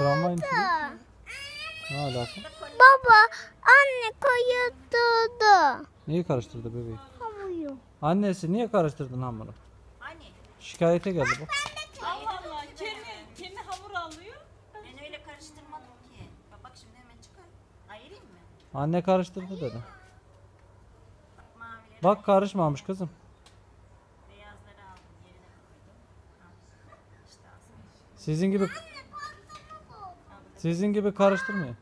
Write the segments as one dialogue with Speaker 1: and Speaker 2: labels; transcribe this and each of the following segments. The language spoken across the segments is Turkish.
Speaker 1: Tramvay mı? Ne alaka?
Speaker 2: Baba, anne koyuyordu.
Speaker 1: Niye karıştırdı bebeği?
Speaker 2: Hamuyu.
Speaker 1: Annesi niye karıştırdın hamuru?
Speaker 3: Hani?
Speaker 1: Şikayete geldi bu.
Speaker 4: Allah Allah. Kendi hamur alıyor.
Speaker 3: Ben öyle karıştırmadım ki. Bak şimdi hemen çıkar. Ayırayım mı?
Speaker 1: Anne karıştırdı dedi.
Speaker 3: Bak mavileri
Speaker 1: Bak karışmamış kızım.
Speaker 3: beyazları aldım. Yerine koydum. Al. İşte aslında.
Speaker 1: Sizin gibi karıştırmıyor.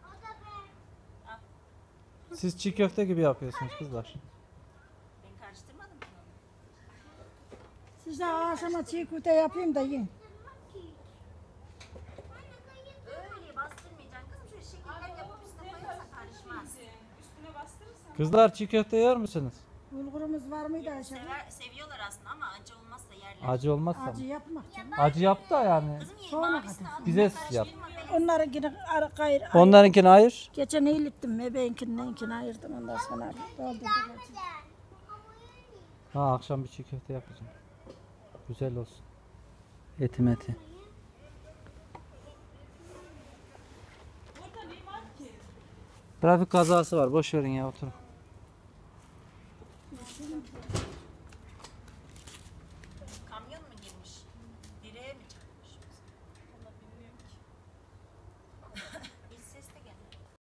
Speaker 1: Siz çiğ köfte gibi yapıyorsunuz kızlar.
Speaker 3: Ben karıştırmadım ki onu.
Speaker 5: Size akşama çiğ köfte yapayım da yiyin.
Speaker 3: Öyle bastırmayacaksın kızım. Şöyle şekiller yapıp üstüne koyarsan karışmaz.
Speaker 4: Üstüne bastırırsan.
Speaker 1: Kızlar çiğ köfte yer misiniz?
Speaker 5: Bulgurumuz var mıydı aşağıda?
Speaker 3: Seviyorlar aslında ama acı olmazsa yerler.
Speaker 1: Acı olmazsa mı?
Speaker 5: Acı yapmak canım.
Speaker 1: Acı yaptı da yani.
Speaker 3: Kızım ye
Speaker 5: Sonra
Speaker 3: mavisini al.
Speaker 1: Bize yap.
Speaker 3: Karıştırma be.
Speaker 5: Onları yine gayrı.
Speaker 1: Onlarınkini ayır.
Speaker 5: Geçen eğilittim. Bebeğinkini ayırdım. Ondan sonra doldurdum.
Speaker 1: Ha akşam bir çiğ köfte yapacağım. Güzel olsun. Eti meti.
Speaker 4: Burada ne var ki?
Speaker 1: Trafik kazası var. Boş verin ya oturun.